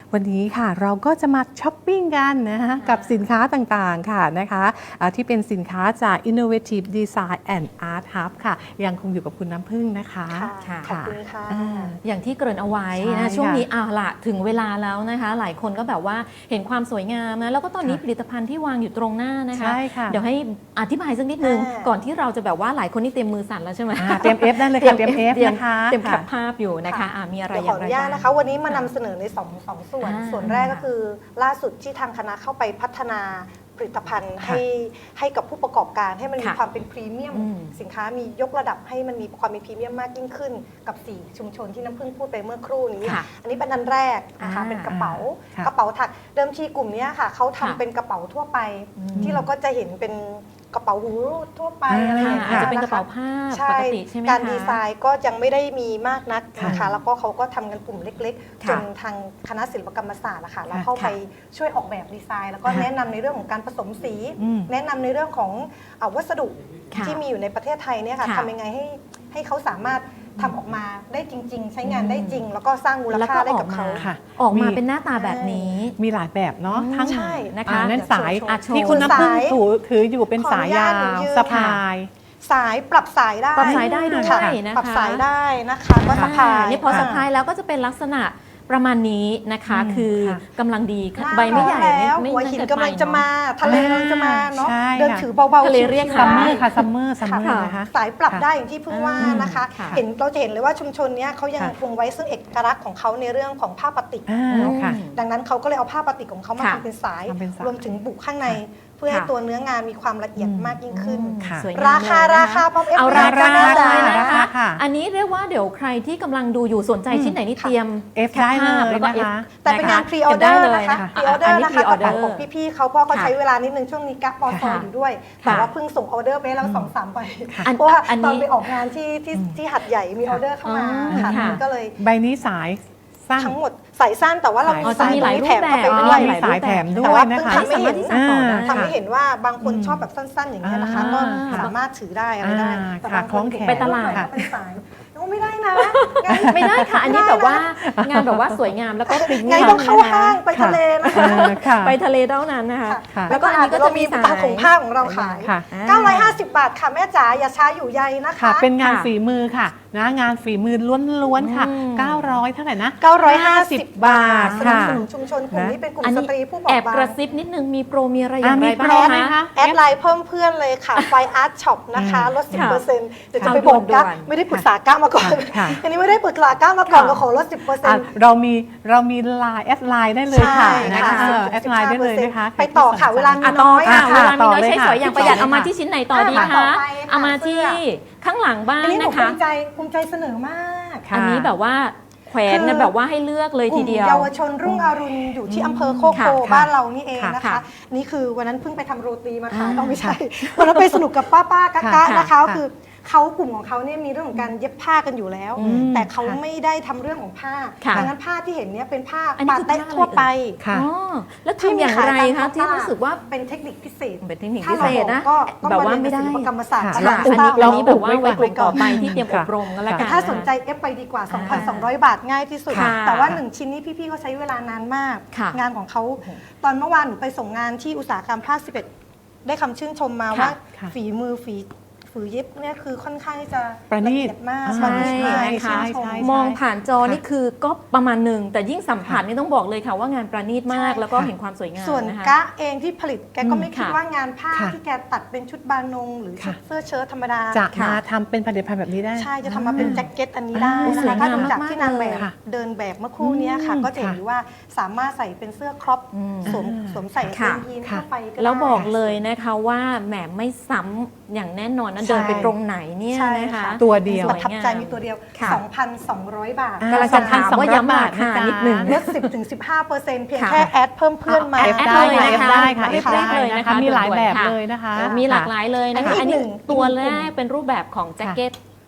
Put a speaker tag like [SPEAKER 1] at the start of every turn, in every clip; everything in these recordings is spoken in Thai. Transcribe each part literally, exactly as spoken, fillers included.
[SPEAKER 1] วันนี้ค่ะเราก็จะมาช้อปปิ้งกันนะคะกับสินค้าต่างๆค่ะนะคะที่เป็นสินค้าจาก Innovative Design and Art Hub ค่ะยังคงอยู่กับคุณน้ำพึ่งนะคะ
[SPEAKER 2] ค่ะขอบคุณค่ะ
[SPEAKER 3] อ, อย่างที่เกริ่นเอาไว้นะช่วงนี้อ่าละถึงเวลาแล้วนะคะหลายคนก็แบบว่าเห็นความสวยงามนะแล้วก็ตอนนี้ผลิตภัณฑ์ที่วางอยู่ตรงหน้านะคะเดี๋ยวให้อธิบายสักนิดนึงก่อนที่เราจะแบบว่าหลายคนนี่เตรียมมือสั่นแล้วใช่ไหม
[SPEAKER 1] เตรียม F ได้เลยค่ะเตรียม F นะคะ
[SPEAKER 3] เตรียมแคปภาพอยู่นะคะมีอะไรอย่างไรบ้าง
[SPEAKER 2] นะคะวันนี้มานำเสนอในสองสองส่วนส่วนแรกก็คือล่าสุดที่ทางคณะเข้าไปพัฒนาผลิตภัณฑ์ให้ให้กับผู้ประกอบการให้มันมีความเป็นพรีเมียมสินค้ามียกระดับให้มันมีความมีพรีเมียมมากยิ่งขึ้นกับสี่ชุมชนที่น้ำพึ่งพูดไปเมื่อครู่นี้อันนี้เป็นอันแรกนะคะเป็นกระเป๋ากระเป๋าถักเดิมทีกลุ่มนี้ค่ะเขาทำเป็นกระเป๋าทั่วไปที่เราก็จะเห็นเป็นกระเป๋าหูรูดทั่วไปอะไรอย่างเงี้ย
[SPEAKER 3] อาจจะเป็นกระเป๋าผ้าปกติใช่ไหมคะ
[SPEAKER 2] การดีไซน์ก็ยังไม่ได้มีมากนักนะคะแล้วก็เขาก็ทำกันกลุ่มเล็กๆจนทางคณะศิลปกรรมศาสตร์นะคะเราเข้าไปช่วยออกแบบดีไซน์แล้วก็แนะนำในเรื่องของการผสมสีแนะนำในเรื่องของวัสดุที่มีอยู่ในประเทศไทยเนี่ยค่ะทำยังไงให้ให้เขาสามารถทำออกมาได้จริงๆใช้งานได้จริงแล้วก็สร้างมูลค่าได้กับเขา
[SPEAKER 3] ออกมาเป็นหน้าตาแบบนี้
[SPEAKER 1] มีหลายแบบเนาะทั้ง
[SPEAKER 3] นะคะ
[SPEAKER 1] นั่นสายที่คุณน้ำพึ่งถืออยู่เป็นสายยาวสะพาย
[SPEAKER 2] สายปรับสายได้
[SPEAKER 3] ปรับสายได้ด้วยนะคะ
[SPEAKER 2] ปรับสายได้นะคะก็สะพาย
[SPEAKER 3] นี่พอสะพายแล้วก็จะเป็นลักษณะประมาณนี้นะคะคือกำลังดีใบไม่ใหญ่
[SPEAKER 2] ไม่หัวหินกำลังจะมาทะเลกำลังจะมาเนาะเดินถือเบาๆ
[SPEAKER 3] ทะเลเรียก
[SPEAKER 1] ซัมเมอร์ค่ะซัมเมอร์ซัมเมอร์นะคะ
[SPEAKER 2] สายปรับได้อย่างที่เพิ่งว่านะคะเห็นเราจะเห็นเลยว่าชุมชนนี้เขายังคงไว้ซึ่งเอกลักษณ์ของเขาในเรื่องของผ้าปาติกดังนั้นเขาก็เลยเอาผ้าปาติกของเขามาทำเป็นสายรวมถึงบุกข้างในเพื่อให้ตัวเนื้องานมีความละเอียดมากยิ่งขึ้นราคาราคาพร้อมเอฟ
[SPEAKER 3] เอาราคาเลยนะคะอันนี้เรียกว่าเดี๋ยวใครที่กำลังดูอยู่สนใจชิ้นไหนนี่เตรียม
[SPEAKER 1] เอฟได้เลย
[SPEAKER 3] แล้วก็
[SPEAKER 1] นะคะ
[SPEAKER 2] แต่เป็นงานพรีออเดอร์นะคะพรีออเดอร์นะคะกระเป๋าของพี่ๆเขาเพราะเขาใช้เวลานิดนึงช่วงนี้กั๊กปอซออยู่ด้วยแต่ว่าเพิ่งส่งออเดอร์ไปแล้วสองสามใบเพราะว่าตอนไปออกงานที่ที่ที่หัดใหญ่มีออเดอร์เข้ามาค่ะก็เลย
[SPEAKER 1] ใบนี้สาย
[SPEAKER 2] ทั้งหมดสายสั้นแต่ว่าเรามีสายแถมเข้าไป
[SPEAKER 1] ด้วยมีสายแถมด้วยนะคะ
[SPEAKER 2] ทำให้เห็นทำให้เห็นว่าบางคนชอบแบบสั้นๆอย่างนี้นะคะก็สามารถถือได้อะไรได้
[SPEAKER 1] แต่บางคน
[SPEAKER 3] ไปตลาด
[SPEAKER 2] เป็นสายไม่ได้นะ
[SPEAKER 3] ไม่ได้ค่ะอันนี้แบบว่างานแบบว่าสวยงามแล้วก็ปริ้น
[SPEAKER 2] ไงต้องเข้าห้างไปทะเลนะคะ
[SPEAKER 3] ไปทะเลเท่านั้นนะคะ
[SPEAKER 2] แล้วก็อันนี้ก็จะมีสายของผ้าของเราขายเก้าร้อยห้าสิบบาทค่ะแม่จ๋าอย่าช้าอยู่ใยนะคะ
[SPEAKER 1] เป็นงานฝีมือค่ะนะงานฝีมือล้วนๆค่ะเก้าร้อยเท่าไหร่นะ
[SPEAKER 2] เก้าร้อยห้าสิบบาท
[SPEAKER 1] ค่ะ
[SPEAKER 2] สนับสนุนชุมชนกลุ่มนี้เป็นกลุ่มสตรีผู้บอบบาง
[SPEAKER 3] แอบกระซิบนิดนึงมีโปรมีอะไรอย่างไรบ้าง
[SPEAKER 2] คะแอดไลน์เพิ่มเพื่อนเลยค่ะไฟอาร์ตช็อปนะคะลด สิบเปอร์เซ็นต์ เดี๋ยวจะไปบอกก้าไม่ได้ปรึกษาก้ามาก่อนอันนี้ไม่ได้ปรึกษาก้ามาก่อนก็ขอลด สิบเปอร์เซ็นต์
[SPEAKER 1] เรามีเรามีไลน์แอดไลน์ได้เลยค่ะนะคะแอดไลน์ได้เลยนะคะ
[SPEAKER 2] ไปต่อค่ะเวลามีน้อย
[SPEAKER 3] ค่ะเวลามีน้อยใช้สอยอย่างประหยัดเอามาที่ชิ้นไหนต่อดีคะเอามาที่ข้างหลังบ้านนะคะ
[SPEAKER 2] ภูมิใจภูมิใจเสนอมาก
[SPEAKER 3] อันนี้แบบว่าแขวนกันแบบว่าให้เลือกเลยทีเดียว
[SPEAKER 2] เยาวชนรุ่งอรุณอยู่ที่อำเภอโคโคบ้านเรานี่เองนะคะนี่คือวันนั้นเพิ่งไปทำโรตีมาขายต้องไม่ใช่วันนั้นไปสนุกกับป้าป้ากะนะคะคือเขากลุ่มของเขาเนี่ยมีเรื่องของการเย็บผ้ากันอยู่แล้วแต่เขาไม่ได้ทำเรื่องของผ้าดังนั้นผ้าที่เห็นเนี่ยเป็นผ้าปาเต้ทั่วไป
[SPEAKER 3] แล้วทำอย่างไรคะที่รู้สึกว่า
[SPEAKER 2] เป็นเทคนิคพิเศษ
[SPEAKER 3] เป็นเทคนิคพิเศษนะ
[SPEAKER 2] ก็
[SPEAKER 3] แบบว่าไม่ได้
[SPEAKER 2] กรรมศาสตร์
[SPEAKER 3] อันนี้แบบว่าไว้กลุ่มต่อไปที่เตรียมอบรมกันแล้วกัน
[SPEAKER 2] ถ้าสนใจเอฟไปดีกว่า สองพันสองร้อย บาทง่ายที่สุดแต่ว่าหนึ่งชิ้นนี้พี่ๆเขาใช้เวลานานมากงานของเขาตอนเมื่อวานหนูไปส่งงานที่อุตสาหกรรมผ้าสิบเอ็ดได้คำชื่นชมมาว่าฝีมือฝีฝือเย็บเนี่ยคือค่อนข้างจะ
[SPEAKER 1] ประณีต
[SPEAKER 2] มาก
[SPEAKER 3] ประณีตมากมองผ่านจอนี่คือก็ประมาณหนึ่งแต่ยิ่งสัมผัสนี่ต้องบอกเลยค่ะว่างานประณีตมากแล้วก็เห็นความสวยงาม
[SPEAKER 2] ส่วนกะเองที่ผลิตแกก็ไม่คิดว่างานผ้าที่แกตัดเป็นชุดบานงหรือชุดเสื้อเชิ้ตธรรมดา
[SPEAKER 1] จะมาทำเป็นผลิตภัณฑ์แบบนี้ได้
[SPEAKER 2] ใช่จะทำมาเป็นแจ็คเก็ตอันนี้ได้นะคะถ้าดูจากที่นางแบบเดินแบบเมื่อครู่นี้ค่ะก็จะเห็นว่าสามารถใส่เป็นเสื้อครอปสวมสวมใส่เป็นยีนเข้าไป
[SPEAKER 3] แล้วบอกเลยนะคะว่าแหมไม่ซ้ำอย่างแน่นอนนะเดินไปตรงไหนเนี่ยนะคะ
[SPEAKER 1] ตัวเดียว
[SPEAKER 2] ประทับใจมีตัวเดียว สองพันสองร้อย บาท
[SPEAKER 3] กำลังจะถามว่าย้ำราคานิดหนึ่ง
[SPEAKER 2] ลด สิบถึงสิบห้าเปอร์เซ็นต์ เพียงแค่แอดเพิ่มเพื่อนมา
[SPEAKER 3] แอดได้ค่ะ
[SPEAKER 1] ได้ค่ะ
[SPEAKER 3] เอฟได้เลยนะคะ
[SPEAKER 1] มีหลายแบบเลยนะคะ
[SPEAKER 3] มีหลากหลายเลยนะคะอันนี้ตัวแรกเป็นรูปแบบของแจ็คเก็ต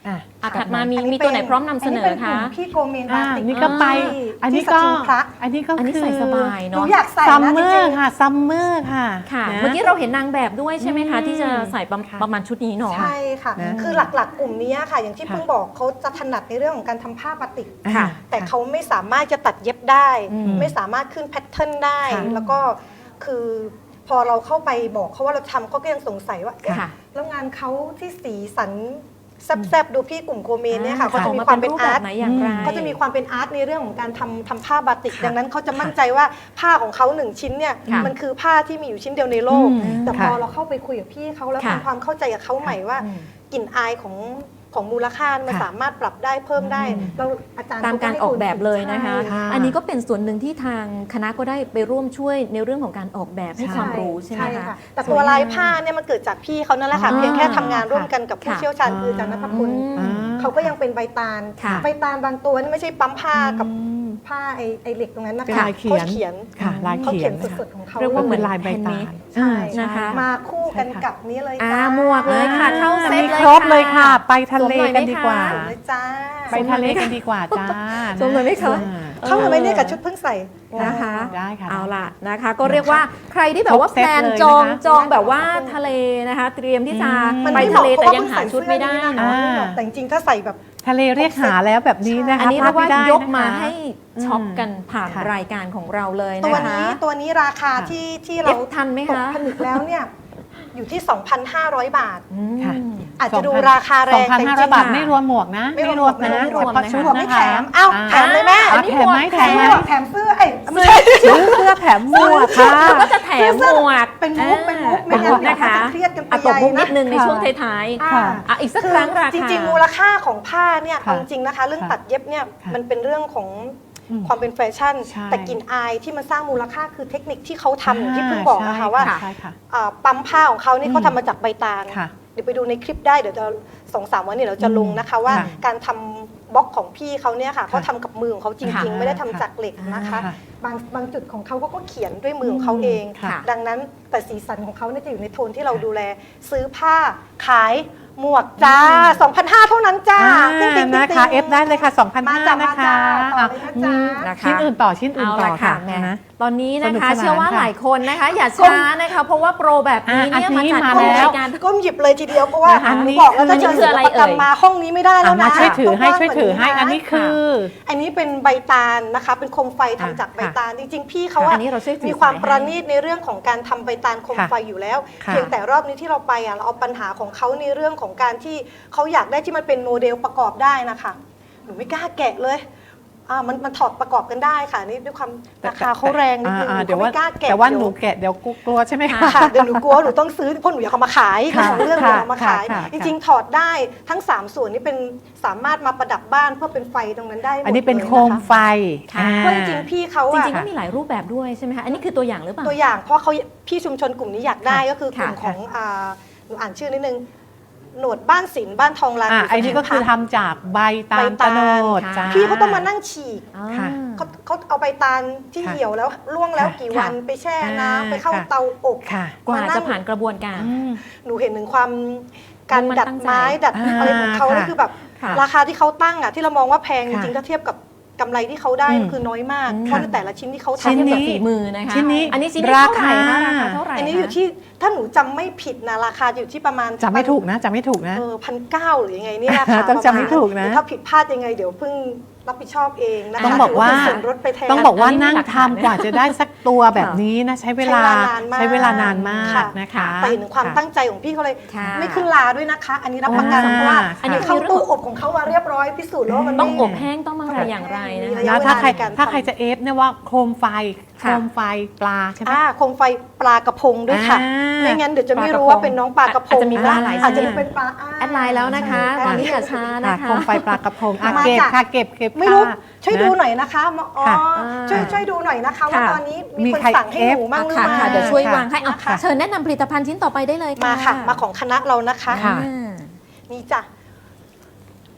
[SPEAKER 1] อ่ะ
[SPEAKER 3] อ่ะถัดมามี
[SPEAKER 2] อันนี้
[SPEAKER 3] มีตัวไหน
[SPEAKER 2] เป็น
[SPEAKER 3] พร้อมนำเสนอ
[SPEAKER 2] ป็ก
[SPEAKER 3] คะ
[SPEAKER 2] ลุ่มพี่โกเมนบา
[SPEAKER 1] อ่า
[SPEAKER 2] ติก
[SPEAKER 1] นี่ก็ไป
[SPEAKER 2] ที่
[SPEAKER 1] อันนี้
[SPEAKER 2] ที่
[SPEAKER 1] ก็
[SPEAKER 2] สกินพระ
[SPEAKER 1] อันนี้ก็
[SPEAKER 3] อันนี้
[SPEAKER 1] คือ
[SPEAKER 3] ใส่สบาย
[SPEAKER 2] หนู
[SPEAKER 3] เนาะ
[SPEAKER 2] อยากใส่
[SPEAKER 1] ซัม
[SPEAKER 2] นะ
[SPEAKER 1] เม
[SPEAKER 2] จ
[SPEAKER 1] อ
[SPEAKER 2] ริง
[SPEAKER 1] ร์
[SPEAKER 2] ๆ
[SPEAKER 1] ค่ะซัมเมอร์ค่ะ
[SPEAKER 3] ค่ะ
[SPEAKER 1] นะ
[SPEAKER 3] เมื่อกี้เราเห็นนางแบบด้วยใช่ไหมคะ
[SPEAKER 1] อืม
[SPEAKER 3] ที่จะใส่ประ
[SPEAKER 1] ค่ะ
[SPEAKER 3] ประมาณชุดนี้เนาะ
[SPEAKER 2] ใช่ค่ะ
[SPEAKER 1] นะ
[SPEAKER 2] คือหลักๆ กลุ่มนี้ค่ะ อย่างที่
[SPEAKER 1] ค่ะ
[SPEAKER 2] เพิ่งบอกเขาจะถนัดในเรื่องของการทำผ้าบาติก
[SPEAKER 3] ค่ะ
[SPEAKER 2] แต่เขาไม่สามารถจะตัดเย็บได้
[SPEAKER 1] อืม
[SPEAKER 2] ไม่สามารถขึ้นแพทเทิร์นได้
[SPEAKER 1] ค่ะ
[SPEAKER 2] แล้วก็คือพอเราเข้าไปบอกเขาว่าเราทำเขาก็ยังสงสัยว่าเอ๊ะ
[SPEAKER 3] ค่ะ
[SPEAKER 2] แล้วงานเขาที่สีสันแซบๆดูพี่กลุ่มโกเมนเนี่ยค่ะ
[SPEAKER 3] อ่
[SPEAKER 2] เขาจะ
[SPEAKER 3] ออก
[SPEAKER 2] มี
[SPEAKER 3] มา
[SPEAKER 2] ความ
[SPEAKER 3] เป็
[SPEAKER 2] เป็น น
[SPEAKER 3] รูปแบ
[SPEAKER 2] อาร์
[SPEAKER 3] บ
[SPEAKER 2] ต
[SPEAKER 3] ไหนอย่างไร
[SPEAKER 2] เขาจะมีความเป็นอาร์ตในเรื่องของการทำทำผ้าบาติก
[SPEAKER 3] ค่ะ
[SPEAKER 2] ดังนั้นเขาจะมั่นใจว่าผ้าของเขาหนึ่งชิ้นเนี่ย
[SPEAKER 3] ค่ะ
[SPEAKER 2] มันคือผ้าที่มีอยู่ชิ้นเดียวในโลก
[SPEAKER 1] อืม
[SPEAKER 2] แต่พอ
[SPEAKER 1] ค่ะ
[SPEAKER 2] เราเข้าไปคุยกับพี่เขาแล้ว
[SPEAKER 3] ค่ะ
[SPEAKER 2] ทำความเข้าใจกับเขาใหม่ว่า
[SPEAKER 3] อืม
[SPEAKER 2] กลิ่นอายของของมูลค่ามัน
[SPEAKER 1] ค่ะ
[SPEAKER 2] สามารถปรับได้เพิ่มได้
[SPEAKER 1] อืม
[SPEAKER 2] เราอาจารย์
[SPEAKER 3] ตามการออกแบบเลยนะคะ
[SPEAKER 2] ใช่
[SPEAKER 3] อันนี้ก็เป็นส่วนหนึ่งที่ทางคณะก็ได้ไปร่วมช่วยในเรื่องของการออกแบบให้
[SPEAKER 1] ใช่
[SPEAKER 3] ความรู้ใช่ไหมคะ
[SPEAKER 2] แต่ตัวลายผ้าเนี่ยมันเกิดจากพี่เขานั่นแหละค่ะ
[SPEAKER 3] อ่า
[SPEAKER 2] เพียงแค่ทำงานร่วมกันกับผู้
[SPEAKER 3] ค่ะ
[SPEAKER 2] เชี่ยวชาญคืออาจารย์นัทพล
[SPEAKER 3] อืม
[SPEAKER 2] เขาก็ยังเป็นใบตาล
[SPEAKER 3] ค่ะ
[SPEAKER 2] ใบตาลบางตัวนี่ไม่ใช่ปั๊มผ้ากับ
[SPEAKER 1] อืม
[SPEAKER 2] ผ้าไอ้ไอ้เหล็กตรงนั้นนะ
[SPEAKER 1] เป็น
[SPEAKER 2] คะ
[SPEAKER 1] ลายเขียน
[SPEAKER 2] เขาเขียน
[SPEAKER 1] ค่ะลาย
[SPEAKER 2] เขา
[SPEAKER 1] เขี
[SPEAKER 2] เขี
[SPEAKER 1] ย
[SPEAKER 2] ย
[SPEAKER 1] น
[SPEAKER 2] นสดๆของเขา
[SPEAKER 3] เรียกว่า
[SPEAKER 1] เป็น
[SPEAKER 3] ห
[SPEAKER 1] ลายใบตาล
[SPEAKER 2] ใช่
[SPEAKER 3] นะคะ
[SPEAKER 2] มาคู่กัน
[SPEAKER 1] ใช่ค่ะ
[SPEAKER 2] กับนี้เลย
[SPEAKER 3] อ่า
[SPEAKER 2] จ้า
[SPEAKER 3] หมวกเลยค่ะเข้าเซ็ต
[SPEAKER 1] มี
[SPEAKER 3] เลย
[SPEAKER 1] ครบเลยค่ะ ไปทะเล
[SPEAKER 3] สวมหน่อยไหม
[SPEAKER 1] กันดีกว่า
[SPEAKER 3] คะ
[SPEAKER 2] เลยจ้า
[SPEAKER 1] ไปทะเลกันดีกว่าจ้า
[SPEAKER 3] สวมหน่อยไหมคะ
[SPEAKER 1] อ่า
[SPEAKER 2] เข้ามาไหมเนี่ยกับชุดเพิ่งใส่
[SPEAKER 3] นะคะ
[SPEAKER 1] ได้ค่ะ
[SPEAKER 3] เอาล่ะนะคะ ก็เรียกว่าใครที่แบบว่า
[SPEAKER 1] ครบ
[SPEAKER 3] แพ
[SPEAKER 1] เซ็ต
[SPEAKER 3] ลน
[SPEAKER 1] เลย
[SPEAKER 3] จอง
[SPEAKER 1] นะคะ
[SPEAKER 3] จองแบบว่าทะเลนะคะ เตรียมที่จะ
[SPEAKER 1] อืม
[SPEAKER 2] มัน
[SPEAKER 3] ไป
[SPEAKER 2] ไม่เห
[SPEAKER 3] ทะ
[SPEAKER 2] มาะ
[SPEAKER 3] เล
[SPEAKER 2] เพราะ
[SPEAKER 3] แต่
[SPEAKER 2] ว่า
[SPEAKER 3] ยัง
[SPEAKER 2] เพิ่ง
[SPEAKER 3] หา
[SPEAKER 2] ใส่
[SPEAKER 3] ชุดไม่ได้
[SPEAKER 2] เสื้อนี้นะ
[SPEAKER 1] อ่า
[SPEAKER 2] ไม่เหมาะแต่จริงๆถ้าใส่แบบ
[SPEAKER 1] ทะเลเรียกหาแล้วแบบนี้นะคะ
[SPEAKER 3] อันนี้เรียกว่า
[SPEAKER 1] พลดไม่ได้
[SPEAKER 3] ยกมา
[SPEAKER 1] นะคะ
[SPEAKER 3] ให้ช็อปกันผ่าน
[SPEAKER 1] ค่ะ
[SPEAKER 3] รายการของเราเลย
[SPEAKER 2] ตัว
[SPEAKER 3] นะคะ
[SPEAKER 2] นี้ตัวนี้ราคา
[SPEAKER 1] ค่ะ
[SPEAKER 2] ที่ที่
[SPEAKER 3] เอ
[SPEAKER 2] เรา
[SPEAKER 3] ฟทันไหม
[SPEAKER 2] ตก
[SPEAKER 3] คะ
[SPEAKER 2] ผนึกแล้วเนี่ยอยู่ที่ สองพันห้าร้อย บาท
[SPEAKER 3] อืม
[SPEAKER 1] ค่ะ
[SPEAKER 2] อาจจะดูราคาแรง
[SPEAKER 1] สองพัน
[SPEAKER 2] แต่จ
[SPEAKER 1] ห้าร้
[SPEAKER 2] ริ
[SPEAKER 1] อย
[SPEAKER 2] ง
[SPEAKER 1] บาท
[SPEAKER 3] ค่ะ
[SPEAKER 1] ไม่รวมหมวกนะ
[SPEAKER 2] ไม่รวม
[SPEAKER 1] นะ
[SPEAKER 3] ไม่รวม
[SPEAKER 1] เฉพาะ
[SPEAKER 3] นะคะ
[SPEAKER 1] ชุด
[SPEAKER 2] หมวกไม่
[SPEAKER 1] นะคะ
[SPEAKER 2] แถมเอ้า
[SPEAKER 1] อ่
[SPEAKER 2] แถมเลยแม่
[SPEAKER 1] อ่ะแถมไหมแถ
[SPEAKER 2] แถ
[SPEAKER 1] ม
[SPEAKER 2] ม
[SPEAKER 1] ไหม
[SPEAKER 2] หมวกแถมเสื้อเอ้ยไม่
[SPEAKER 1] เสื้
[SPEAKER 2] ใช่
[SPEAKER 1] อเสื้อแถมหมวกค่ะ
[SPEAKER 3] ก็จะแถมหมวก
[SPEAKER 2] เป็นมุกเป็นมุก
[SPEAKER 3] เป็นมุกนะคะ
[SPEAKER 2] ไม่งั้นเดี๋ยวเขาจะเครียดกันไป
[SPEAKER 3] อ่ะตบมุก
[SPEAKER 2] ใหญ่นะ
[SPEAKER 3] นิดนึงใน
[SPEAKER 1] ค่ะ
[SPEAKER 3] ช่วงท้าย
[SPEAKER 2] อ่า
[SPEAKER 1] ค่ะ
[SPEAKER 3] ๆอ่ะอีกสัก
[SPEAKER 2] คื
[SPEAKER 3] ครั้งราคา
[SPEAKER 2] จริงๆ มูลค่าของผ้าเนี่ย
[SPEAKER 1] ค่ะ
[SPEAKER 2] เอาจริงๆนะคะ เรื่อง
[SPEAKER 1] ค่ะ
[SPEAKER 2] ตัดเย็บเนี่ย
[SPEAKER 1] ค่ะ
[SPEAKER 2] มันเป็นเรื่องของ
[SPEAKER 1] อืม
[SPEAKER 2] ความเป็นแฟชั่น
[SPEAKER 1] ใช่
[SPEAKER 2] แต่กลิ่นอายที่มันสร้างมูลค่าคือเทคนิคที่เขาทำอย่างที่เพิ่งบอกนะคะว่า
[SPEAKER 1] ใช่ค่ะ
[SPEAKER 2] อ่าปั๊มผ้าของเขานี่
[SPEAKER 1] อืม
[SPEAKER 2] เขาทำมาจากใบตาล
[SPEAKER 1] ค่ะ
[SPEAKER 2] เดี๋ยวไปดูในคลิปได้เดี๋ยวจะสองสามวันนี้เราจะลงนะคะว่า
[SPEAKER 1] ค่ะ
[SPEAKER 2] การทำบล็อกของพี่เขาเนี่ยค่ะเขาทำกับมือของเขาจริง
[SPEAKER 1] ค่ะ
[SPEAKER 2] ๆ ไม่ได้ทำจากเหล็กนะคะ
[SPEAKER 1] ค่ะ
[SPEAKER 2] บางบางจุดของเขาก็เขียนด้วยมือของเขาเอง
[SPEAKER 1] ค่ะ
[SPEAKER 2] ดังนั้นแต่สีสันของเขาเนี่ยจะอยู่ในโทนที่เราดูแล ซื้อผ้าขายหมวกจ้า สองพันห้าร้อย เท่านั้นจ้า
[SPEAKER 1] อ่า
[SPEAKER 2] ติ๊งๆๆๆ
[SPEAKER 1] นะคะเอฟได้เลยค่ะสองพัน
[SPEAKER 2] มา
[SPEAKER 1] ห้า
[SPEAKER 2] จ้ะ
[SPEAKER 1] นะ
[SPEAKER 2] มา
[SPEAKER 1] คะ
[SPEAKER 2] จ้ะต่อเลยนะจ๊ะ
[SPEAKER 1] อ่
[SPEAKER 3] นะคะ
[SPEAKER 1] ชิ้นอื่นต่อชิ้นอื่น
[SPEAKER 3] เอา
[SPEAKER 1] ต่
[SPEAKER 3] ละ
[SPEAKER 1] อ
[SPEAKER 3] ค่ะ
[SPEAKER 1] ค่ะ
[SPEAKER 3] แหม่
[SPEAKER 1] นะ
[SPEAKER 3] ตอนนี้นะ
[SPEAKER 1] สนุก
[SPEAKER 3] คะ
[SPEAKER 1] สนาน
[SPEAKER 3] เชื่อว่า
[SPEAKER 1] ค่ะ
[SPEAKER 3] หลายคนนะคะ อย่าช้านะคะ เพราะว่าโปรแบบนี้เนี่ย
[SPEAKER 1] อ่ะอัน
[SPEAKER 3] มา
[SPEAKER 1] นี้
[SPEAKER 3] จัด
[SPEAKER 1] มา
[SPEAKER 3] ขึ้น
[SPEAKER 1] แล้ว
[SPEAKER 3] รายการ
[SPEAKER 2] ก้มหยิบเลยทีเดียวเพราะว่า
[SPEAKER 1] นะคะ
[SPEAKER 2] หนูบอกแล้ว
[SPEAKER 3] อั
[SPEAKER 2] ถ้าน
[SPEAKER 3] นี้
[SPEAKER 2] เจอ
[SPEAKER 3] คือ
[SPEAKER 2] ศิ
[SPEAKER 3] อะไร
[SPEAKER 2] ลปกรรม
[SPEAKER 3] เอ่ย
[SPEAKER 2] มาห้องนี้ไม่ได้แล้
[SPEAKER 1] อ่ะ
[SPEAKER 2] ว
[SPEAKER 1] มา
[SPEAKER 2] นะ
[SPEAKER 1] ช่วยถือให้
[SPEAKER 2] ต้ง
[SPEAKER 1] ช่วยถือให้
[SPEAKER 2] กว้างกว่า
[SPEAKER 1] อันนี้คือ
[SPEAKER 2] อันนี้เป็นใบตาลนะคะ เป็นโคมไฟทำจากใบตาลจริง ๆ พี่เขา
[SPEAKER 3] อั
[SPEAKER 2] อะ
[SPEAKER 3] นนี้เราช่วยถือ
[SPEAKER 2] มีความ
[SPEAKER 3] สายให้
[SPEAKER 2] ประณีตในเรื่องของการทำใบตาลโคม
[SPEAKER 1] ค่ะ
[SPEAKER 2] ไฟอยู่แล้ว
[SPEAKER 1] ค่ะ
[SPEAKER 2] เพียงแต่รอบนี้ที่เราไปอะเราเอาปัญหาของเขาในเรื่องของการที่เขาอยากได้ที่มันเป็นโมเดลประกอบได้นะคะหนูไม่กล้าแกะเลยอ่ามันมันถอดประกอบกันได้ค่ะนี่ด้วยความราคาเขาแรงนิดนึง
[SPEAKER 1] อ่า
[SPEAKER 2] หนู
[SPEAKER 1] เดี๋ยว
[SPEAKER 2] ก็
[SPEAKER 1] ว่า
[SPEAKER 2] ไม่กล้าแกะ
[SPEAKER 1] แต่ว่าห
[SPEAKER 2] เดี๋
[SPEAKER 1] นู
[SPEAKER 2] ยว
[SPEAKER 1] แกะเดี๋ยวกลัวใช่ไหมคะ
[SPEAKER 2] ค่ะเดี๋ยวหนูกลัวหนูต้องซื้อเพราะหนูอยากเอามาขาย
[SPEAKER 1] ค่ะ
[SPEAKER 2] ของเรื่องหนูเอามาขาย
[SPEAKER 1] ค่ะค่ะ
[SPEAKER 2] จริงๆถอดได้ทั้ง 3 ส่วนนี้เป็นสามารถมาประดับบ้านเพื่อเป็นไฟตรงนั้นได้หมด
[SPEAKER 1] อันนี้เป็น
[SPEAKER 2] ลยะะ
[SPEAKER 1] โคมไฟ
[SPEAKER 3] ค่ะ
[SPEAKER 1] อ่า
[SPEAKER 2] เพราะจริงๆพี่เขา
[SPEAKER 3] จ
[SPEAKER 2] อะ
[SPEAKER 3] ริงๆก็มีหลายรูปแบบด้วยใช่ไหมคะอันนี้คือตัวอย่างหรือเปล่า
[SPEAKER 2] ตัวอย่างเพราะเขาพี่ชุมชนกลุ่มนี้อยากได้
[SPEAKER 1] ค่ะ
[SPEAKER 2] ก็คือกลุ่ม
[SPEAKER 3] ค่ะ
[SPEAKER 2] ของอ่าหนูอ่านชื่อนิดนึงหนวดบ้านศิลป์บ้านทองลาน
[SPEAKER 1] อ่า
[SPEAKER 2] ยู่
[SPEAKER 1] อันนี้ก็คือ
[SPEAKER 2] สุพรรณ
[SPEAKER 1] ทำจากใบตา
[SPEAKER 2] ใบ
[SPEAKER 1] ล
[SPEAKER 2] ตา
[SPEAKER 1] ตะ
[SPEAKER 2] ล
[SPEAKER 1] โนด
[SPEAKER 3] ค่ะ
[SPEAKER 1] จ้า
[SPEAKER 2] พี่เขาต้องมานั่งฉีก
[SPEAKER 3] อ่า
[SPEAKER 1] ค่ะ
[SPEAKER 2] เขาเขาเอาใบตาลที่
[SPEAKER 1] ค่ะ
[SPEAKER 2] เหี่ยวแล้วล่วงแล้ว
[SPEAKER 1] ค่ะ
[SPEAKER 2] กี่วัน
[SPEAKER 3] ค่ะ
[SPEAKER 2] ไปแช่
[SPEAKER 1] อ่า
[SPEAKER 2] น้ำไปเข้า
[SPEAKER 1] ค่ะ
[SPEAKER 2] เตาอบ
[SPEAKER 1] ค่ะ
[SPEAKER 3] กว่า
[SPEAKER 2] มานั่ง
[SPEAKER 3] จะผ่านกระบวนการ
[SPEAKER 1] อืม
[SPEAKER 2] หนูเห็นถึงความการ
[SPEAKER 3] มัน
[SPEAKER 2] ดัด
[SPEAKER 3] ตั้งใจ
[SPEAKER 2] ไม้ดัด
[SPEAKER 1] อ่า
[SPEAKER 2] อะไรของเขา
[SPEAKER 1] ค่ะ
[SPEAKER 2] นี่คือแบบ
[SPEAKER 3] ค่ะ
[SPEAKER 2] ราคาที่เขาตั้งอ่ะที่เรามองว่าแพงจ
[SPEAKER 1] ค่ะ
[SPEAKER 2] ริงๆถ้าเทียบกับกำไรที่เขาได้
[SPEAKER 1] อืม
[SPEAKER 2] มันคือน้อยมาก
[SPEAKER 3] อืม
[SPEAKER 2] เพราะในแต่ละชิ้นที่เขา
[SPEAKER 1] ชิ้น
[SPEAKER 2] ทำ
[SPEAKER 1] นี้
[SPEAKER 3] กับฝีมือนะคะ
[SPEAKER 1] ชิ้นนี้
[SPEAKER 3] อันนี้ชิ้นนี้เท่าไหร่คะ
[SPEAKER 1] รา
[SPEAKER 3] รา
[SPEAKER 1] คา
[SPEAKER 3] คาเท่าไหร่
[SPEAKER 2] อันนี้อยู่
[SPEAKER 3] คะ
[SPEAKER 2] ที่ถ้าหนูจำไม่ผิดนะราคาอยู่ที่ประมาณ
[SPEAKER 1] จำไม่ถูกนะจำไม่ถูกนะ
[SPEAKER 2] เออพันเก้าหรือยังไงนี่ราคา
[SPEAKER 1] ต้องจำให้ถูกนะ
[SPEAKER 2] ถ้าผิดพลาดยังไงเดี๋ยวเพิ่งรับผิดชอบเองนะคะ
[SPEAKER 1] ต้องบอกว่า
[SPEAKER 2] ถืเป็นส่วนลดไปแทน
[SPEAKER 1] ต้องบอกว่า
[SPEAKER 3] อันนี้มี
[SPEAKER 1] นั่ง
[SPEAKER 3] หลักฐาน
[SPEAKER 1] ทำกว่าจะได้สักตัวแบบนี้นะใช้เวลา
[SPEAKER 2] ใช้
[SPEAKER 1] ใช้
[SPEAKER 2] เว
[SPEAKER 1] เว
[SPEAKER 2] ลา
[SPEAKER 1] ลานาน
[SPEAKER 2] าน
[SPEAKER 1] น
[SPEAKER 2] มาม
[SPEAKER 1] าก กนะคะ
[SPEAKER 2] แต่เห็นความ
[SPEAKER 1] ค่ะ
[SPEAKER 2] ตั้งใจของพี่เขาเลย
[SPEAKER 3] ค่ะ
[SPEAKER 2] ไม่ขึ้นลาด้วยนะคะ อันนี้รับประกัน
[SPEAKER 1] อ่า
[SPEAKER 2] เพราะว่า
[SPEAKER 1] อันนี้
[SPEAKER 2] เข้าตู้อบของเขามาเรียบร้อยพิสูจน์แล้วว่ามัน
[SPEAKER 3] ต้อง
[SPEAKER 2] ไม่
[SPEAKER 3] อบแห้งต้องอะไรอย่างไรนะ
[SPEAKER 2] มี
[SPEAKER 3] คะ
[SPEAKER 2] ระยะ
[SPEAKER 1] แล้วถ้าใคร
[SPEAKER 2] เวลาในการทำ
[SPEAKER 1] ถ้าใครจะเอฟเนี่ยว่าโคมไฟโค
[SPEAKER 3] ค่ะ
[SPEAKER 1] มไฟปลาใช่ไหม
[SPEAKER 2] อ่าโคมไฟปลากระพงด้วยค่ะ
[SPEAKER 1] อ่า
[SPEAKER 2] ไม่งั้นเดี๋ยวจะไม่รู้
[SPEAKER 3] ปลากระพง
[SPEAKER 2] ว่าเป็นน้องปลากระพง
[SPEAKER 3] อาจจะมีปลาหลาย
[SPEAKER 2] อาจจะ
[SPEAKER 3] ชนิด
[SPEAKER 2] เป็นปลาา
[SPEAKER 3] แอดไลน์แล้วนะคะ
[SPEAKER 2] ใช่
[SPEAKER 3] ตอนนี้อย่าช้านะ
[SPEAKER 1] ค่ะ
[SPEAKER 3] คะ
[SPEAKER 1] โคมไฟปลากระพงอ่ะ
[SPEAKER 2] มา
[SPEAKER 1] เก็บ
[SPEAKER 2] จ้ะ
[SPEAKER 1] ค่ะเก็บเก็บ
[SPEAKER 2] ไม่รู้
[SPEAKER 1] ค่ะ
[SPEAKER 2] ช่วย
[SPEAKER 1] นะ
[SPEAKER 2] ดูหน่อยนะคะอ๋อ
[SPEAKER 1] ค่ะ
[SPEAKER 2] ช่วยช่วยดูหน่อยนะคะว่า
[SPEAKER 3] ค่ะ
[SPEAKER 2] ตอนนี้
[SPEAKER 1] มี
[SPEAKER 2] มีคน
[SPEAKER 1] ใคร
[SPEAKER 2] สั่งให้หนูมั่งหรือ
[SPEAKER 3] ค่ะ
[SPEAKER 2] ไม่
[SPEAKER 3] ค่ะเดี๋ยวช่วย
[SPEAKER 1] ค่ะ
[SPEAKER 3] วางให้เอา
[SPEAKER 2] ค่ะ
[SPEAKER 3] เชิญแนะนำผลิตภัณฑ์ชิ้นต่อไปได้เลยค่ะ
[SPEAKER 2] มาค่ะ มาของคณะเรานะคะ
[SPEAKER 1] ค่ะ
[SPEAKER 3] อ่า
[SPEAKER 2] นี่จ้ะ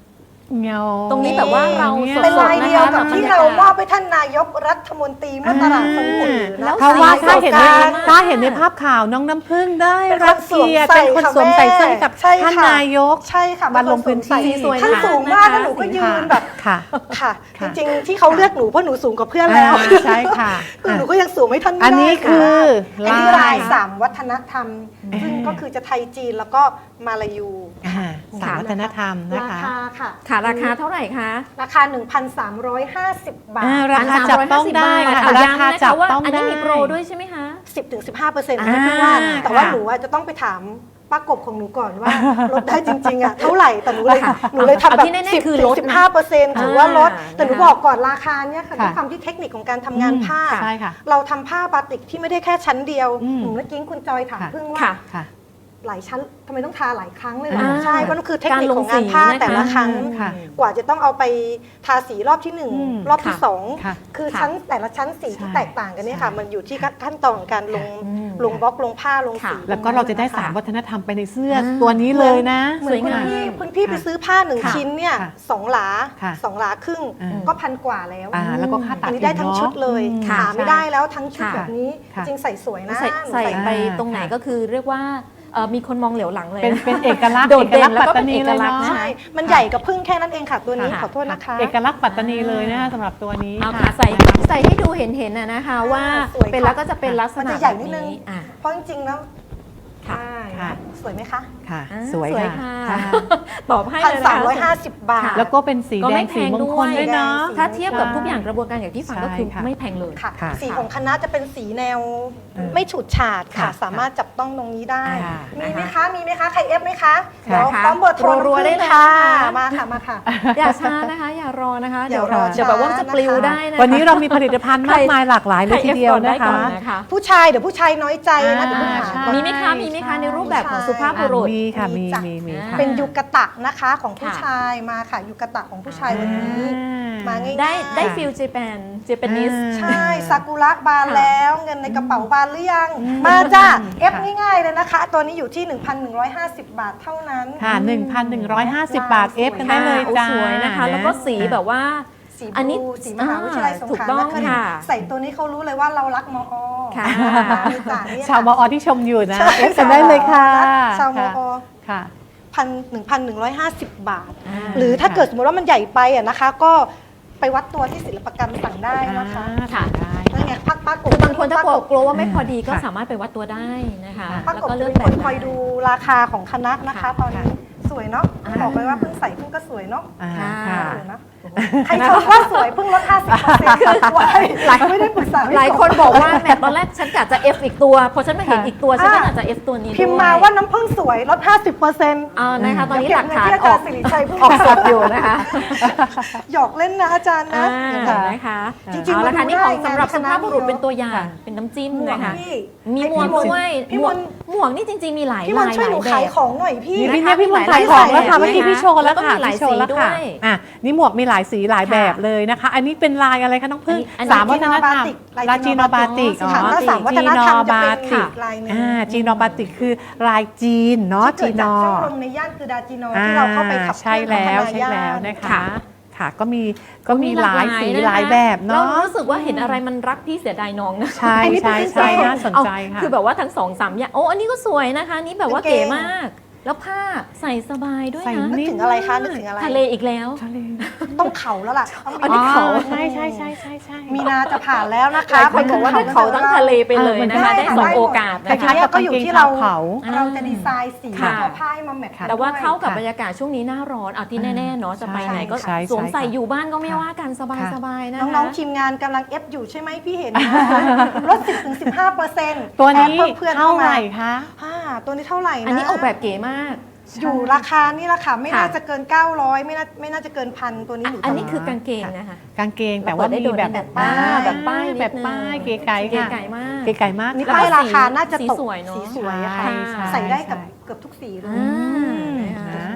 [SPEAKER 1] เงา
[SPEAKER 3] ตรงนี้แบบว่าเรา
[SPEAKER 1] นี่ย
[SPEAKER 3] สด
[SPEAKER 2] เป็นลายเดียวกับ
[SPEAKER 3] นะคะ
[SPEAKER 2] ที่เรามอบไปท่านนายกรัฐมนตรีเมื่อตลาดสดอื่น
[SPEAKER 3] แล้ว
[SPEAKER 1] เพราะว่าถ้าเห็นใน
[SPEAKER 2] ประสบการณ์
[SPEAKER 1] ถ้าเห็นในภาพข่าวน้องน้ำพึ่งได้
[SPEAKER 2] เป็นคน
[SPEAKER 1] รับเกียรติ
[SPEAKER 2] สวมใส่
[SPEAKER 1] เป็นคนสวมใส่เสื้อให้กับ
[SPEAKER 2] ใช่ค่ะ
[SPEAKER 1] ท่านนายก
[SPEAKER 2] ใช่ค่ะ
[SPEAKER 1] มาลงพื้นที่
[SPEAKER 2] เป็ค
[SPEAKER 3] สวย
[SPEAKER 2] ท่าน
[SPEAKER 3] มาก
[SPEAKER 2] สูงมาก
[SPEAKER 3] นะคะ
[SPEAKER 2] แล้วหนูก็ยืนแบบ
[SPEAKER 1] ค่ะ
[SPEAKER 2] ค่ะ
[SPEAKER 1] ค่ะ
[SPEAKER 2] จริงๆที่เขาเลือกหนูเพราะหนูสูงกว่าเพื่อนแล้ว
[SPEAKER 1] อ่าใช่ค่ะ
[SPEAKER 2] คือหนูก็ยังสูงไม่ท่านไม่
[SPEAKER 1] อันนี้
[SPEAKER 2] ได้
[SPEAKER 1] คือ
[SPEAKER 2] อันนี้
[SPEAKER 1] ลา
[SPEAKER 2] ลาย ยสามวัฒนธรรม
[SPEAKER 1] อืม
[SPEAKER 2] ซึ่งก็คือจะไทยจีนแล้วก็มาลายู
[SPEAKER 1] อ่าสามวัฒนธรรมนะ
[SPEAKER 2] รา
[SPEAKER 1] คะ
[SPEAKER 2] คาค่ะ
[SPEAKER 3] ค่ะราคาเท่าไหร่คะ
[SPEAKER 2] ราคา หนึ่งพันสามร้อยห้าสิบ บาท
[SPEAKER 1] อ่าราคาจับต้องได้ค่ะ
[SPEAKER 3] อ่
[SPEAKER 1] ราคาจับ
[SPEAKER 3] ว่า
[SPEAKER 1] ต้อง
[SPEAKER 3] อันนี้
[SPEAKER 1] ได้
[SPEAKER 3] มีโปรด้วยใช่ไหมคะ
[SPEAKER 2] สิบถึงสิบห้าเปอร์เซ็นต์
[SPEAKER 1] อ่า
[SPEAKER 2] นะพี่ว่าแต่ว่า
[SPEAKER 1] ค่ะ
[SPEAKER 2] หนูอะจะต้องไปถามป้ากบของหนูก่อนว่า ลดได้จริงๆอะเท่าไหร่แต่หนูเลยหนูเลยทำแบ
[SPEAKER 3] เอาที่
[SPEAKER 2] บ
[SPEAKER 3] แน่ๆ
[SPEAKER 2] สิบ
[SPEAKER 3] คือ
[SPEAKER 2] ถึ
[SPEAKER 3] ล
[SPEAKER 2] ง
[SPEAKER 3] ดนะ
[SPEAKER 2] สิบห้าเปอร์เซ็นต์ถือว่าลด
[SPEAKER 3] อ่า
[SPEAKER 2] แต่หนู
[SPEAKER 3] นะคะ
[SPEAKER 2] บอกก่อนราคาเนี่ยค่ะ
[SPEAKER 1] ค่ะ
[SPEAKER 2] ด้วยความที่เทคนิคของการทำงานผ้า
[SPEAKER 1] ใช่ค่ะ
[SPEAKER 2] เราทำผ้าบาติกที่ไม่ได้แค่ชั้นเดียว
[SPEAKER 1] อืม
[SPEAKER 2] หนูเมื่อกี้คุณจอยถาม
[SPEAKER 1] ค่ะ
[SPEAKER 2] เพิ่งว่า
[SPEAKER 3] ค่ะ
[SPEAKER 1] ค่ะ
[SPEAKER 2] หลายชั้นทำไมต้องทาหลายครั้งเลยเหรอ
[SPEAKER 1] อ่า
[SPEAKER 2] ใช่เพราะนั่นคือเทคนิคของ
[SPEAKER 3] การลงสี
[SPEAKER 2] งานผ้า
[SPEAKER 3] นะคะ
[SPEAKER 2] แต่ละครั้ง
[SPEAKER 1] ค่ะ
[SPEAKER 2] กว่าจะต้องเอาไปทาสีรอบที่หนึ่ง
[SPEAKER 1] อืม
[SPEAKER 2] รอบที่
[SPEAKER 3] ค่ะ
[SPEAKER 2] สอง
[SPEAKER 1] ค่ะ
[SPEAKER 2] คือ
[SPEAKER 3] ค่ะ
[SPEAKER 2] ชั้นแต่ละชั้นสีที่
[SPEAKER 1] ใช่
[SPEAKER 2] แตกต่างกันเนี่ยค่ะ
[SPEAKER 1] ใช่
[SPEAKER 2] มันอยู่ที่ขั้นตอนของการลง
[SPEAKER 3] อืม
[SPEAKER 2] ลงบล็อกลงผ้าลง
[SPEAKER 3] ค่ะ
[SPEAKER 2] สี
[SPEAKER 1] แล้วก็เราจะได้
[SPEAKER 2] นค
[SPEAKER 1] สามวัฒนธรรมไปในเสื้ออ
[SPEAKER 3] ม
[SPEAKER 1] ตัวนี้เลยนะ
[SPEAKER 2] เหมือน
[SPEAKER 3] สวย
[SPEAKER 2] คุณ
[SPEAKER 3] งาม
[SPEAKER 2] พี่คุณพี่ไปซื้อผ้าหนึ่ง
[SPEAKER 1] ค่ะ
[SPEAKER 2] ชิ้นเนี่ย
[SPEAKER 1] ค่ะ
[SPEAKER 2] สองหลา
[SPEAKER 1] ค่ะ
[SPEAKER 2] สองหลาครึ่ง
[SPEAKER 1] อืม
[SPEAKER 2] ก็พันกว่าแล้ว
[SPEAKER 1] อ่าแล้วก็ค่าตั
[SPEAKER 2] อั
[SPEAKER 1] ด
[SPEAKER 2] นนี้ได้ทั้งชุดเลย
[SPEAKER 1] อืม
[SPEAKER 3] ค่ะ
[SPEAKER 2] หาไม่ได้แล้วทั้งชุด
[SPEAKER 3] ค่ะ
[SPEAKER 2] แบบนี้
[SPEAKER 1] ค่ะ
[SPEAKER 2] จริงใส่สวยนะ
[SPEAKER 3] ใส่
[SPEAKER 2] หนู
[SPEAKER 3] ใส่ไป
[SPEAKER 1] อ่า
[SPEAKER 3] ตรงไหน
[SPEAKER 1] ค่ะ
[SPEAKER 3] ก็คือเรียกว่าเอ่อมีคนมองเหลียวหลังเลย
[SPEAKER 1] เป็น
[SPEAKER 3] นะ
[SPEAKER 1] เป็นเอกลักษณ์
[SPEAKER 3] โดดเด่น
[SPEAKER 1] อกลักษณ์
[SPEAKER 3] แล้วก็
[SPEAKER 1] ปัตตานี
[SPEAKER 3] เป็นเอกลักษณ์
[SPEAKER 1] เลย
[SPEAKER 3] นะ
[SPEAKER 1] เนาะ
[SPEAKER 2] ใช่มันใหญ่กับพึ่งแค่นั้นเองค่ะตัวนี้
[SPEAKER 3] ค่ะ
[SPEAKER 2] ขอโทษนะคะ
[SPEAKER 1] เอกลักษณ์ปัตตานีเลยนะคะสำหรับตัวนี้
[SPEAKER 3] เอา
[SPEAKER 1] ค่ะ
[SPEAKER 3] ค่ะใส่ใส่ให้ดูเห็นเห็นๆนะนะคะว่า
[SPEAKER 2] สวยค่ะ
[SPEAKER 3] เป็นแล้วก็จะเป็นลักษ
[SPEAKER 2] มัน
[SPEAKER 3] ณะ
[SPEAKER 2] จะใหญ่นิดนึง
[SPEAKER 3] แบบอ่ะ
[SPEAKER 2] เพราะจริงๆแล้ว
[SPEAKER 3] ค่ะ
[SPEAKER 2] ใช่
[SPEAKER 1] ค่ะ
[SPEAKER 2] สวยไหมคะ
[SPEAKER 1] ค่ะ
[SPEAKER 3] อ่า
[SPEAKER 1] สวยค่ะ
[SPEAKER 3] ค่ะ
[SPEAKER 1] ค่ะ
[SPEAKER 3] ตอบให้
[SPEAKER 2] พัน
[SPEAKER 3] เลย
[SPEAKER 2] สาม
[SPEAKER 3] นะ
[SPEAKER 2] ร้อยห้า
[SPEAKER 3] คะ
[SPEAKER 2] สิบบาท
[SPEAKER 3] ค่ะ
[SPEAKER 1] แล้วก็เป็นสี
[SPEAKER 3] ก็
[SPEAKER 1] แด
[SPEAKER 3] ไม่
[SPEAKER 1] ง
[SPEAKER 3] แพ
[SPEAKER 1] สี
[SPEAKER 3] ง
[SPEAKER 1] มงคล
[SPEAKER 3] ด้วย
[SPEAKER 1] ด้วยเนาะ
[SPEAKER 2] สี
[SPEAKER 3] ถ้าเทียบกับทุกอย่างกระบวนการอย่างที่ฟังก็คือ
[SPEAKER 1] ใช่ค่ะ
[SPEAKER 3] ไม่แพงเลย
[SPEAKER 2] ค่ะ
[SPEAKER 1] ค่ะ
[SPEAKER 2] สีของคณะจะเป็นสีแนว
[SPEAKER 1] อืม
[SPEAKER 2] ไม่ฉูดฉาดค่ะ
[SPEAKER 1] ค่ะ
[SPEAKER 2] สามารถจับต้องตรงนี้ได้
[SPEAKER 1] ค่ะ
[SPEAKER 2] มีไหมคะ มีไหมคะ ใครเอฟไหมคะ
[SPEAKER 1] ค่ะ
[SPEAKER 2] เดี๋ยว
[SPEAKER 3] ค่ะ
[SPEAKER 2] พร้อมเบอร์โทร
[SPEAKER 3] รัวๆได้เลย
[SPEAKER 2] ค่ะ
[SPEAKER 3] ค่ะ
[SPEAKER 2] มาค่ะ มาค่ะ
[SPEAKER 3] อย่าช้านะคะ อย่ารอนะคะ
[SPEAKER 2] อย่ารอ
[SPEAKER 3] เดี๋ยวแบบว่าจะปลิว
[SPEAKER 2] ช้านะคะ
[SPEAKER 3] ได้นะคะ
[SPEAKER 1] วันนี้เรามีผลิตภัณฑ์มากมายหลากหลายเลยทีเดียว
[SPEAKER 3] ใคร
[SPEAKER 1] นะ
[SPEAKER 3] อฟก่อ
[SPEAKER 1] คะ
[SPEAKER 3] ได้ก่อนนะคะ
[SPEAKER 2] ผู้ชายเดี๋ยวผู้ชายน้อยใจนะเดี๋ยวผู้หา
[SPEAKER 1] ใช่
[SPEAKER 2] ก่อน
[SPEAKER 3] มีไหมคะ มีไหมคะ ในรูปแบบของสุภาพบุรุษ
[SPEAKER 1] มีค่ะ มี
[SPEAKER 2] มีจ้ะ
[SPEAKER 1] มีมีค่ะ
[SPEAKER 2] เป็นยูกะตะนะคะของผู้
[SPEAKER 3] ค่ะ
[SPEAKER 2] ชายมาค่ะยูกะตะของผู้ชายวันนี้ มาง่ายๆ
[SPEAKER 3] ได้ได้ฟิลเจแปนเจแปนิส
[SPEAKER 1] อ่า
[SPEAKER 2] ใช่ซากุระบาน
[SPEAKER 3] ค่ะ
[SPEAKER 2] แล้วเงินในกระเป๋าบานหรือยัง
[SPEAKER 1] อืม
[SPEAKER 2] มาจ้าเอฟ
[SPEAKER 1] ค่ะ
[SPEAKER 2] ง่ายๆเลยนะคะ ตัวนี้อยู่ที่ หนึ่งพันหนึ่งร้อยห้าสิบ บาทเท่านั้น
[SPEAKER 1] ค่ะ หนึ่งพันหนึ่งร้อยห้าสิบ บาท เอฟกันได้เลย
[SPEAKER 3] โอ้
[SPEAKER 1] จ้า
[SPEAKER 3] สวยนะคะ แล้วก็สีแบบว่า
[SPEAKER 2] สี
[SPEAKER 3] อันนี้
[SPEAKER 2] บลูสีมหาวิทยาลัยสง
[SPEAKER 3] ถูก
[SPEAKER 2] ขลา
[SPEAKER 3] ต้อง
[SPEAKER 2] นครินทร์
[SPEAKER 3] ค่ะ
[SPEAKER 2] ใส่ตัวนี้เขารู้เลยว่าเรารักมอ
[SPEAKER 3] ค่ะ
[SPEAKER 2] มีจ่าเนี่ย
[SPEAKER 1] ชาวมอที่ชมอยู่นะ
[SPEAKER 2] ใช่
[SPEAKER 1] เอฟกันได้เลยค่ะ
[SPEAKER 2] ชาวมอ
[SPEAKER 1] ค่ะ
[SPEAKER 2] พันหนึ่งพันหนึ่งร้อยห้าสิบบาท
[SPEAKER 3] อ่า
[SPEAKER 2] หรือถ้า
[SPEAKER 1] ค่ะ
[SPEAKER 2] เกิดสมมติว่ามันใหญ่ไปอะนะคะ ก็ไปวัดตัวที่ศิลปกรรมสั่งได้นะคะ
[SPEAKER 3] ค่ะ
[SPEAKER 1] ได้
[SPEAKER 2] นั่นไงพักป้าก
[SPEAKER 3] คือบางคนถ้ากลัวกลัวว่าไม่พอดีก็
[SPEAKER 1] ค่ะ
[SPEAKER 3] สามารถไปวัดตัวได้นะคะ
[SPEAKER 2] ป้า
[SPEAKER 3] แล้ว
[SPEAKER 2] กบ
[SPEAKER 3] ก็เลื
[SPEAKER 2] จะ
[SPEAKER 3] อก
[SPEAKER 2] เป็น
[SPEAKER 3] แบ
[SPEAKER 2] คน
[SPEAKER 3] บ
[SPEAKER 2] คอยดูราคาของคณะนะคะ
[SPEAKER 3] ค่ะ
[SPEAKER 2] ตอนนี้สวยเนาะ
[SPEAKER 3] อ่า
[SPEAKER 2] บอกเลยว่าเพิ่งใส่เพิ่งก็สวยเนาะ
[SPEAKER 1] อ่า
[SPEAKER 3] ค่ะ
[SPEAKER 1] ค่ะ
[SPEAKER 2] สวยนะใครชมว่าสวยเพิ่งลดห้าสิบเปอร์เซ็นต์ไม่ได้ปรึกษาพี่
[SPEAKER 3] หลาย
[SPEAKER 2] กบ
[SPEAKER 3] คนบอกว่าแหมตอนแรกฉันกะจะ F อีกตัว พอฉันมาเห็นอีกตัว ฉันก็อาจจะ F ตัวนี้ด้วย
[SPEAKER 2] พิมพ์มาว่าน้ำผึ้งสวยลด ห้าสิบเปอร์เซ็นต์
[SPEAKER 3] เอานะคะตอนนี้
[SPEAKER 2] เดี๋
[SPEAKER 3] ห
[SPEAKER 2] ยว
[SPEAKER 3] ลัก
[SPEAKER 2] เก็บเงิน
[SPEAKER 3] ฐาน
[SPEAKER 2] ที่อา
[SPEAKER 3] อ
[SPEAKER 2] จา
[SPEAKER 3] อ
[SPEAKER 2] ร
[SPEAKER 3] ก
[SPEAKER 2] ย์สิริชัยพูด
[SPEAKER 3] ออกสดอยู่นะคะ
[SPEAKER 2] หยอกเล่นนะอาจารย์นะ
[SPEAKER 3] อ่านะคะ
[SPEAKER 2] จริงๆ
[SPEAKER 3] เอาละค่ะ
[SPEAKER 2] มาดู
[SPEAKER 3] นี่ของ
[SPEAKER 2] ได้
[SPEAKER 3] สำหรับ
[SPEAKER 2] งาน
[SPEAKER 3] สุภาพบุรุษ
[SPEAKER 2] คณะ
[SPEAKER 3] เป็นตัวอย่าง
[SPEAKER 1] ค่ะ
[SPEAKER 3] เป็นน้ำจิ้ม
[SPEAKER 2] หมวก
[SPEAKER 3] นะคะ
[SPEAKER 2] พี่
[SPEAKER 3] มีหมวกด้วย
[SPEAKER 2] พี่
[SPEAKER 3] หม
[SPEAKER 2] ม
[SPEAKER 3] วก
[SPEAKER 2] นต์
[SPEAKER 3] หมวกนี่จริงๆมีหลาย
[SPEAKER 2] พี่ม
[SPEAKER 3] ลาน ย
[SPEAKER 2] ต์ช่วย
[SPEAKER 3] ห
[SPEAKER 2] ห
[SPEAKER 3] ลา
[SPEAKER 2] นู
[SPEAKER 3] ยแบ
[SPEAKER 2] ขาย
[SPEAKER 3] บ
[SPEAKER 2] ของหน่อยพี่
[SPEAKER 1] นี่
[SPEAKER 3] นะคะ
[SPEAKER 1] พี่เนี่ยพี่มนต์
[SPEAKER 3] มีหลา
[SPEAKER 1] ขาย ยของแล้ว
[SPEAKER 3] แบบ
[SPEAKER 1] ค่ะเมื่อกี้
[SPEAKER 3] นะคะ
[SPEAKER 1] พี่โชว์แล้ว
[SPEAKER 3] แล้วก็
[SPEAKER 1] ค่ะ
[SPEAKER 3] มีหลาย
[SPEAKER 1] พี่โชว์แล้ว
[SPEAKER 3] สี
[SPEAKER 1] ค่ะ
[SPEAKER 3] ด้วย
[SPEAKER 1] อ่ะนี่หมวกมีหลายสีหลายแบบเลยนะคะ อันนี้เป็นลายอะไรคะน้องพึ่ง
[SPEAKER 3] อันนี้
[SPEAKER 1] สามวัฒนธรรม
[SPEAKER 2] ลาย
[SPEAKER 1] ลาย
[SPEAKER 2] จี
[SPEAKER 1] จี
[SPEAKER 2] โน
[SPEAKER 1] โนบาติก
[SPEAKER 3] อ๋อ
[SPEAKER 2] ค่ะถ้าสามวัฒนธรรมจะเป็น
[SPEAKER 1] จีโนบาติก
[SPEAKER 2] อีกลายหนึ่ง
[SPEAKER 1] อ่าจีโนบาติกคือลายจีนเนาะ
[SPEAKER 2] ที่
[SPEAKER 1] จี
[SPEAKER 2] เกิด
[SPEAKER 1] โน
[SPEAKER 2] จากช่องลมในย่านคือดาจีโนที่เราเข้าไปขับเค
[SPEAKER 1] ใช่
[SPEAKER 2] ลื่อน
[SPEAKER 1] แล้ว
[SPEAKER 2] พัฒนา
[SPEAKER 1] ใช่
[SPEAKER 2] ย่า
[SPEAKER 1] แล้ว
[SPEAKER 2] น
[SPEAKER 1] นะคะ
[SPEAKER 3] ค่ะ
[SPEAKER 1] ค่ะก็มีก็มีหลายสี
[SPEAKER 3] นะคะ
[SPEAKER 1] หลายแบบเนาะ
[SPEAKER 3] เรารู้สึกว่าเห็นอะไรมันรักพี่เสียดายน้องนะ
[SPEAKER 1] ใช่ใช่ใช่น่าสนใจ
[SPEAKER 3] เอา
[SPEAKER 1] ค่ะ
[SPEAKER 3] คือแบบว่าทั้งสองสามอย่างโอ้อันนี้ก็สวยนะคะอันนี่แบบว่าเก๋มาก แล้วผ้าใส่สบายด้วย
[SPEAKER 1] ใส่
[SPEAKER 3] นะ
[SPEAKER 2] นึกถึงอะไรคะนึกถึงอะไร
[SPEAKER 3] ทะเลอีกแล้ว
[SPEAKER 1] ทะเล
[SPEAKER 2] ต้องเขาแล้วล่ะต้อง
[SPEAKER 3] อัน
[SPEAKER 2] มี
[SPEAKER 3] นี้เขา
[SPEAKER 1] ใช่ใช่ใช่ใช่ใช่
[SPEAKER 2] มีนาจะผ่านแล้วนะคะ
[SPEAKER 3] หลายคนบอกว่า
[SPEAKER 2] ไป
[SPEAKER 3] ถ้าเขาตั้งทะเลไปเลยนะคะ
[SPEAKER 2] ได้
[SPEAKER 3] ได้
[SPEAKER 2] ค่ะ
[SPEAKER 3] สอง
[SPEAKER 2] ได้หมด
[SPEAKER 3] โอกาส
[SPEAKER 1] คล้า
[SPEAKER 3] นะคะ
[SPEAKER 1] ยๆกับ
[SPEAKER 2] ก็
[SPEAKER 1] กาง
[SPEAKER 2] อยู่
[SPEAKER 1] เกง
[SPEAKER 2] ที่
[SPEAKER 1] ชา
[SPEAKER 2] เรา
[SPEAKER 1] วเขา
[SPEAKER 2] เราจะดีไซน์สี
[SPEAKER 3] ค่ะ
[SPEAKER 2] ตัวผ้าให้มาแมทช์
[SPEAKER 3] แต่ว่าเข้ากับ
[SPEAKER 1] ค่ะ
[SPEAKER 3] บรรยากาศช่วงนี้หน้าร้อนเอาที่แน่ๆเนาะจะไปไหนก็
[SPEAKER 1] ใช่ใช่
[SPEAKER 3] สวมใส่
[SPEAKER 1] ค่ะ
[SPEAKER 3] อยู่บ้านก็ไม่ว่ากันสบายๆนะคะ
[SPEAKER 2] น้องๆทีมงานกำลังเอฟอยู่ใช่ไหมพี่เห็นนะลด สิบถึงสิบห้าเปอร์เซ็นต์
[SPEAKER 1] ตัวนี้
[SPEAKER 2] เพื่อนๆ
[SPEAKER 1] เท่า
[SPEAKER 2] เข้า
[SPEAKER 1] ไห
[SPEAKER 2] มา
[SPEAKER 1] ร่คะ
[SPEAKER 2] อ่าตัวนี้เท่าไหร่นะ
[SPEAKER 3] อันนี้ออกแบบเก๋มาก
[SPEAKER 2] อยู่ราคานี่แหละค่ะไม่
[SPEAKER 3] ค่ะ
[SPEAKER 2] น่าจะเกิน เก้าร้อยไม่น่าไม่น่าจะเกินพันตัวนี้หนู
[SPEAKER 3] อัน
[SPEAKER 2] จำ
[SPEAKER 3] นี้คือกางเกงนะคะ
[SPEAKER 1] กางเกงแต่ว่ามีแบบ
[SPEAKER 3] แบบป้ายแบบป้ายนิดนึง
[SPEAKER 1] แบบป้ายเก๋ไก่
[SPEAKER 3] เก๋
[SPEAKER 1] ค่ะ
[SPEAKER 3] ไก่มาก
[SPEAKER 1] เก๋ไก่มาก
[SPEAKER 2] นี่
[SPEAKER 1] ค่ะ
[SPEAKER 2] ป้ายราคาน่าจะ
[SPEAKER 3] สี
[SPEAKER 2] ตก
[SPEAKER 3] สวยเนอะ
[SPEAKER 2] สีสวยค่ะ
[SPEAKER 1] ใช่ใช่
[SPEAKER 2] ใส่ได้กับ
[SPEAKER 1] ใช่
[SPEAKER 2] เกือบทุกสีเลย
[SPEAKER 3] อ่า
[SPEAKER 1] อืม
[SPEAKER 3] นะคะ
[SPEAKER 1] นะ
[SPEAKER 2] สีเลย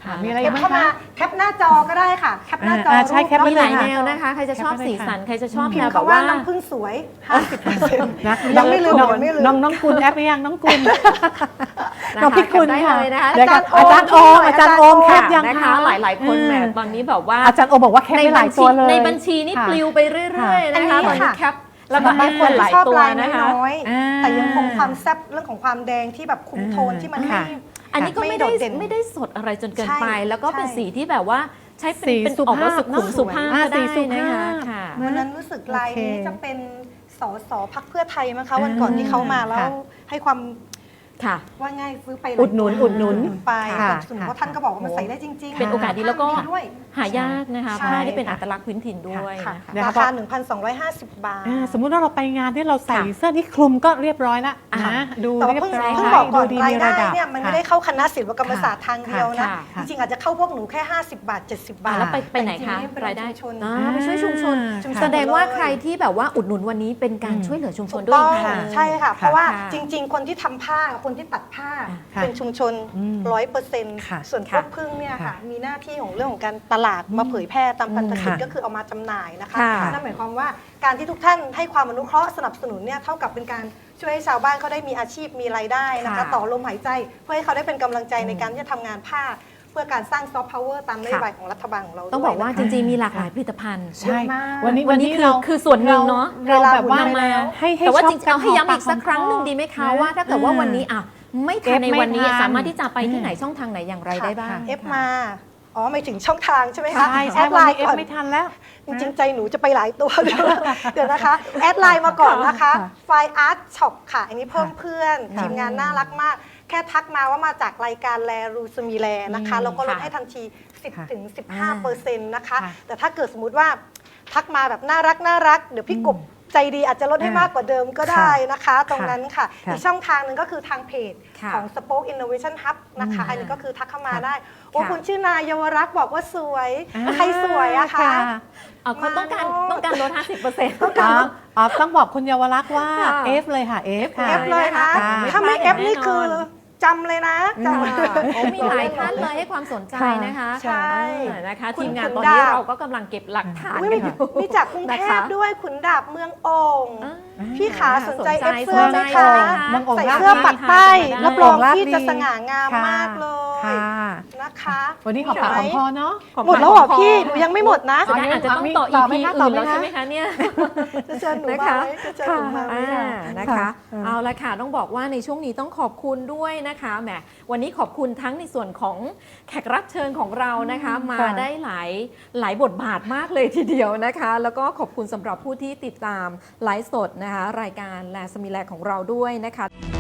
[SPEAKER 1] ค่ะมีอะไร
[SPEAKER 2] แค
[SPEAKER 1] อีก
[SPEAKER 2] ป
[SPEAKER 1] บ้าง
[SPEAKER 2] เข้ามา
[SPEAKER 1] คะ
[SPEAKER 2] แคปหน้าจอก็ได้ค่ะแคปหน้าจอ
[SPEAKER 1] อ่าใช่แคป
[SPEAKER 2] รูป
[SPEAKER 3] มีหลาย
[SPEAKER 1] ค่ะ
[SPEAKER 3] แนวนะคะ ใครจะชอบ
[SPEAKER 1] แคปไว้เลย
[SPEAKER 3] สีสัน ใครจะชอบ
[SPEAKER 2] พิ
[SPEAKER 3] แน
[SPEAKER 2] ม
[SPEAKER 3] ว
[SPEAKER 2] พ์
[SPEAKER 3] แบบ
[SPEAKER 2] คำว่า
[SPEAKER 3] ว่า
[SPEAKER 2] น้ำผึ้งสวย ห้าสิบเปอร์เซ็นต์
[SPEAKER 1] นะ
[SPEAKER 2] ยังไม่ลืม
[SPEAKER 1] น้อง
[SPEAKER 2] ยังไม่ลืม
[SPEAKER 1] น้องน้องกุลแอปหรือยังน้องกุล
[SPEAKER 3] นะคะ
[SPEAKER 1] น้องพี่กุล
[SPEAKER 3] แคปได้
[SPEAKER 1] ค่ะ
[SPEAKER 3] เลยนะคะ
[SPEAKER 1] เดี๋ยวกับ
[SPEAKER 2] อา
[SPEAKER 1] อาจา
[SPEAKER 2] จาร รย์
[SPEAKER 1] ย์โอ
[SPEAKER 2] โอ
[SPEAKER 1] ม
[SPEAKER 2] ม
[SPEAKER 1] อาจารย์โอมแคปยัง
[SPEAKER 3] นะคะ
[SPEAKER 1] คะ
[SPEAKER 3] หลาย ๆ คนแหมตอนนี้แบบว่า
[SPEAKER 1] อาจารย์โอมบอกว่าแคป
[SPEAKER 3] ใน
[SPEAKER 1] ไปห
[SPEAKER 3] บั
[SPEAKER 1] ลา
[SPEAKER 3] ญ
[SPEAKER 1] ย
[SPEAKER 3] ชี
[SPEAKER 1] ตัวเลย
[SPEAKER 3] ในบัญชีนี่
[SPEAKER 1] ค่ะ
[SPEAKER 3] ปลิวไปเรื่อย ๆ นะคะ
[SPEAKER 2] อันนี้
[SPEAKER 3] ตอนนี้
[SPEAKER 2] ค่ะ
[SPEAKER 3] แคปแล้วก็
[SPEAKER 2] บาง
[SPEAKER 3] แอ
[SPEAKER 2] คน
[SPEAKER 3] หลาย
[SPEAKER 2] ชอบ
[SPEAKER 3] ตัว
[SPEAKER 2] ลาย
[SPEAKER 3] นะคะ
[SPEAKER 2] น้อย
[SPEAKER 1] อ่า
[SPEAKER 2] ๆแต่ยังคงความแซ่บเรื่องของความแดงที่แบบคุมโทนที่มันไม่
[SPEAKER 1] ค่ะ
[SPEAKER 3] อันนี้ก็
[SPEAKER 2] ไม่
[SPEAKER 3] ไม่
[SPEAKER 2] โด
[SPEAKER 3] ได้
[SPEAKER 2] ดเด่น
[SPEAKER 3] ไม่ได้สดอะไรจนเกิน
[SPEAKER 2] ใช่
[SPEAKER 3] ไป แล้วก็เป็น
[SPEAKER 2] ใช่
[SPEAKER 3] สีที่แบบว่าใช้เป็น
[SPEAKER 1] สี
[SPEAKER 3] เป็น
[SPEAKER 1] สุ
[SPEAKER 3] ออก
[SPEAKER 1] ภา
[SPEAKER 3] มา
[SPEAKER 1] พ
[SPEAKER 3] สุขุม
[SPEAKER 1] เนอะ
[SPEAKER 3] สุภาพ
[SPEAKER 1] อ่า
[SPEAKER 3] ก็ได้
[SPEAKER 1] สีสุ
[SPEAKER 3] นะ
[SPEAKER 1] ภา
[SPEAKER 3] คะ
[SPEAKER 1] พ
[SPEAKER 3] ค่ะ
[SPEAKER 1] นะ
[SPEAKER 2] วันนั้นรู้สึกลายนี้
[SPEAKER 1] โอเค
[SPEAKER 2] จะเป็นสสพักเพื่อไทยมั้งคะวันก่อนที่เขามาแล้ว
[SPEAKER 1] ค่ะ
[SPEAKER 2] ให้ความ
[SPEAKER 3] ค่ะ
[SPEAKER 2] ว่าง่ายซื้อไป
[SPEAKER 1] อุดหนุนอุดหนุน
[SPEAKER 2] ไป
[SPEAKER 1] ค่ะ
[SPEAKER 2] ส่วนเพราะท่านก็บอกว่ามันใส่ได้จริงๆ
[SPEAKER 3] เป็นโอกาสดีแล้วก็
[SPEAKER 2] ผ้าด้วย
[SPEAKER 3] หายากนะคะ
[SPEAKER 2] ใช่
[SPEAKER 3] ผ้าที่เป็นอัตลักษณ์พื้นถิ่นด้วย
[SPEAKER 2] ค่ะ
[SPEAKER 3] นะคะ
[SPEAKER 1] นะคะ
[SPEAKER 2] ราคา หนึ่งพันสองร้อยห้าสิบ บาท
[SPEAKER 1] อ่าสมมุติว่าเราไปงานที่เราใส่
[SPEAKER 3] ค่ะ
[SPEAKER 1] เสื้อนี่คลุมก็เรียบร้อยแล้ว
[SPEAKER 3] อ่า
[SPEAKER 1] นะดู
[SPEAKER 2] แต่ว่า
[SPEAKER 1] เรีย
[SPEAKER 2] เพิ่ง
[SPEAKER 1] บร้อย
[SPEAKER 2] เพิ่งบอกก่อน
[SPEAKER 1] ดูดี
[SPEAKER 2] ราย
[SPEAKER 1] มี
[SPEAKER 2] ได้
[SPEAKER 1] ระดับ
[SPEAKER 2] เนี่ยมันไม่
[SPEAKER 1] ค่ะ
[SPEAKER 2] ได้เข้าคณะศิลปกรรมศาสตร์ทางเดียวนะ
[SPEAKER 3] ค่ะค่ะ
[SPEAKER 2] จริงๆอาจจะเข้าพวกหนูแค่ ห้าสิบบาท เจ็ดสิบบา
[SPEAKER 3] อ่า
[SPEAKER 2] ท
[SPEAKER 3] แล้วไปไปไหนคะ
[SPEAKER 2] แต่จงๆเป็น
[SPEAKER 3] รายได้
[SPEAKER 2] ชุมชน
[SPEAKER 3] อ่าไปช่วยชุมชน
[SPEAKER 1] ชุมชน
[SPEAKER 3] แสดงว่า
[SPEAKER 2] เลย
[SPEAKER 3] ใครที่แบบว่าอุดหนุนวันนี้เป็นการ
[SPEAKER 1] อืม
[SPEAKER 3] ช่วยเหลือชุมชน
[SPEAKER 2] ถูก
[SPEAKER 3] ด้วย
[SPEAKER 2] ต้อง
[SPEAKER 3] ค่ะ
[SPEAKER 2] ใช่ค่ะ เพราะว่า
[SPEAKER 3] ค่ะ
[SPEAKER 2] จริง ๆ คนที่ทำผ้ากับคนที่ตัดผ้า
[SPEAKER 1] ค่ะ
[SPEAKER 2] เป็นชุมชน
[SPEAKER 1] อืม
[SPEAKER 2] ร้อยเปอร์เซ็นต์
[SPEAKER 1] ค่ะ
[SPEAKER 2] ส่วนพว
[SPEAKER 3] ค่ะ
[SPEAKER 2] กพึ่งเนี่ยค่ะ
[SPEAKER 1] ค่ะ
[SPEAKER 2] มีหน้าที่ของเรื่องของการตลาดมาเผยแพร่ตามพันธกิจ
[SPEAKER 1] ค่ะ
[SPEAKER 2] ก็คือเอามาจำหน่ายนะคะ
[SPEAKER 3] ค่ะ
[SPEAKER 2] นั่นหมายความว่าการที่ทุกท่านให้ความอนุเคราะห์สนับสนุนเนี่ยเท่ากับเป็นการช่วยให้ชาวบ้านเขาได้มีอาชีพมีรายได้นะคะ
[SPEAKER 3] ค่ะ
[SPEAKER 2] ต่อลมหายใจเพื่อให้เขาได้เป็นกำลังใจในการที่จะทำงานผ้า เพื่อการสร้างซอฟต์พาวเวอร์ตามนโยบายของรัฐบาลของเรา
[SPEAKER 3] ต้องบอกว่า
[SPEAKER 2] ด้วย
[SPEAKER 3] จ
[SPEAKER 2] นะคะ
[SPEAKER 3] ริงๆมีหลากหลายผลิตภัณฑ์
[SPEAKER 1] ใช่
[SPEAKER 2] เยอะมาก
[SPEAKER 1] วันนี้
[SPEAKER 3] วันนี้คือ
[SPEAKER 1] เรา
[SPEAKER 3] คือส่วนหนึ่งเนอะ
[SPEAKER 1] เราแบบว่า
[SPEAKER 2] เวลาหมดไปแล้ว
[SPEAKER 1] ให้ให้
[SPEAKER 3] แต่ว่า
[SPEAKER 1] ชอบ
[SPEAKER 3] จริงๆเอาให้ย้ำอีกสัก
[SPEAKER 1] หอมปาก
[SPEAKER 3] ครั้งหนึ่ง
[SPEAKER 1] หอมคอ
[SPEAKER 3] ดีไหมคะ
[SPEAKER 1] นะ
[SPEAKER 3] ว่าถ้าเกิดว่าวันนี้อ่ะไม่ทันในวันนี้
[SPEAKER 1] เอฟไม่ทัน
[SPEAKER 3] สามารถที่จะไปที่ไหนช่องทางไหนอย่างไรได้บ้าง
[SPEAKER 2] เอฟมาอ๋อหมายถึงช่องทางใช่ไหมคะ
[SPEAKER 1] ใช่
[SPEAKER 2] แอ
[SPEAKER 1] ใช่
[SPEAKER 2] ด
[SPEAKER 1] วั
[SPEAKER 2] ไล
[SPEAKER 1] นนี้
[SPEAKER 2] น์
[SPEAKER 1] เอฟ
[SPEAKER 2] ก่อน
[SPEAKER 1] ไม่ทันแล้ว
[SPEAKER 2] จริงๆ ใจหนูจะไปหลายตัว เดี๋ยวนะคะ แอดไลน์มาก่อนนะคะ
[SPEAKER 1] ค่ะ
[SPEAKER 2] ไฟอาร์ตช็อปค่ะ อันนี้เพิ่มเพื่อน
[SPEAKER 1] ค่ะ
[SPEAKER 2] ทีมงานน่ารักมาก แค่ทักมาว่ามาจากรายการแลรูสมีแลนะคะ
[SPEAKER 1] อืม
[SPEAKER 2] แล้วก็ลด
[SPEAKER 3] ค่ะ
[SPEAKER 2] ให้ทันที สิบ
[SPEAKER 1] ค่ะ
[SPEAKER 2] ถึงสิบห้าเปอร์เซ็นต์นะคะ
[SPEAKER 1] ค่ะ
[SPEAKER 2] แต่ถ้าเกิดสมมุติว่าทักมาแบบน่ารักน่ารักเดี๋ยวพี่กบใจดีอาจจะลดให้
[SPEAKER 1] อ่าม
[SPEAKER 2] มากกว่าเดิมก็ได้นะคะ ตรงนั้นค่ะ
[SPEAKER 1] ค่ะ
[SPEAKER 2] อีกช่องทางหนึ่งก็คือทางเพจ
[SPEAKER 3] ค่ะ
[SPEAKER 2] ของ Spoke Innovation Hub นะคะ
[SPEAKER 3] อืม
[SPEAKER 2] อันนี้ก็คือทักเข้ามา
[SPEAKER 1] ค่ะ
[SPEAKER 2] ได้โอ้
[SPEAKER 3] ค่ะ
[SPEAKER 2] คุณชื่อนายเยาวรักษ์บอกว่าสวย
[SPEAKER 1] อ่า
[SPEAKER 2] ใครสวยอะคะ
[SPEAKER 3] เอาเขาต้องการ
[SPEAKER 2] มาเนอะ
[SPEAKER 3] ต้องการลด ห้าสิบเปอร์เซ็นต์
[SPEAKER 1] อ๋ออ๋อต้องบอกคุณเยาวรักษ์ว่า
[SPEAKER 3] ค่ะ
[SPEAKER 1] เอฟเลยค่ะเอฟค่ะ
[SPEAKER 2] เอฟเลยนะ
[SPEAKER 1] ค่ะ
[SPEAKER 2] ถ้าไม่
[SPEAKER 3] ไม่
[SPEAKER 2] เอ
[SPEAKER 3] พลาด
[SPEAKER 2] ฟนี่
[SPEAKER 3] แน่นอน
[SPEAKER 2] คือจำเลยนะจำ
[SPEAKER 3] ค่ะโอ้มีหลายท่านเลยให้ความสนใจนะคะ
[SPEAKER 2] ใช่
[SPEAKER 3] เออนะคะ
[SPEAKER 2] คุณ
[SPEAKER 3] ทีมงาน
[SPEAKER 2] ขุน
[SPEAKER 3] ตอนนี้
[SPEAKER 2] ดาบ
[SPEAKER 3] เราก็กำลังเก็บหลักฐาน
[SPEAKER 2] อุ๊ย
[SPEAKER 3] กัน
[SPEAKER 2] มี
[SPEAKER 3] อยู่
[SPEAKER 2] มีจากกรุงเท
[SPEAKER 3] นะคะ
[SPEAKER 2] พด้วยขุนดาบเมืองโอ่ง
[SPEAKER 3] อ่า
[SPEAKER 2] พี่ขาสนใจ
[SPEAKER 3] สนใจ
[SPEAKER 2] เอฟเสื้อไหม
[SPEAKER 3] สนใจ
[SPEAKER 2] คะ
[SPEAKER 3] เลยค่ะ
[SPEAKER 1] เมืองโอ่ง
[SPEAKER 2] ใส่
[SPEAKER 1] ราช
[SPEAKER 2] เสื้อปักใต้
[SPEAKER 3] ได้
[SPEAKER 2] รับรอง
[SPEAKER 1] ราช
[SPEAKER 2] ที่
[SPEAKER 1] ดี
[SPEAKER 2] จะสง่างาม
[SPEAKER 1] ค่ะ
[SPEAKER 2] มากเลย
[SPEAKER 1] ค่ะ
[SPEAKER 2] นะคะ
[SPEAKER 1] วันนี้ขอปากของพอเนาะ
[SPEAKER 2] หมดแล้วเหรอพี่หนูยังไม่หมดนะ
[SPEAKER 3] อ๋อนี่อาจจะต้องต่อ
[SPEAKER 1] ต่
[SPEAKER 3] อี
[SPEAKER 1] อไหม
[SPEAKER 3] พี
[SPEAKER 1] คะต่
[SPEAKER 3] อื่
[SPEAKER 1] อน ไหม
[SPEAKER 3] แล้ว
[SPEAKER 1] คะ
[SPEAKER 3] ใช่ไหมคะเนี่ย
[SPEAKER 2] จะเชิญหนู
[SPEAKER 3] นะ
[SPEAKER 2] มา
[SPEAKER 3] คะ
[SPEAKER 2] ไหมจะเชิญหนูมาไหม
[SPEAKER 3] อ่า
[SPEAKER 2] คะ
[SPEAKER 3] นะคะ
[SPEAKER 1] ค่ะ
[SPEAKER 3] เอาละค่ะต้องบอกว่าในช่วงนี้ต้องขอบคุณด้วยนะคะแหมวันนี้ขอบคุณทั้งในส่วนของแขกรับเชิญของเรานะคะ มา
[SPEAKER 1] ค่ะ
[SPEAKER 3] ได้หลายหลายบทบาทมากเลยทีเดียวนะคะ แล้วก็ขอบคุณสำหรับผู้ที่ติดตามไลฟ์สดนะคะรายการแลสมีแลของเราด้วยนะคะ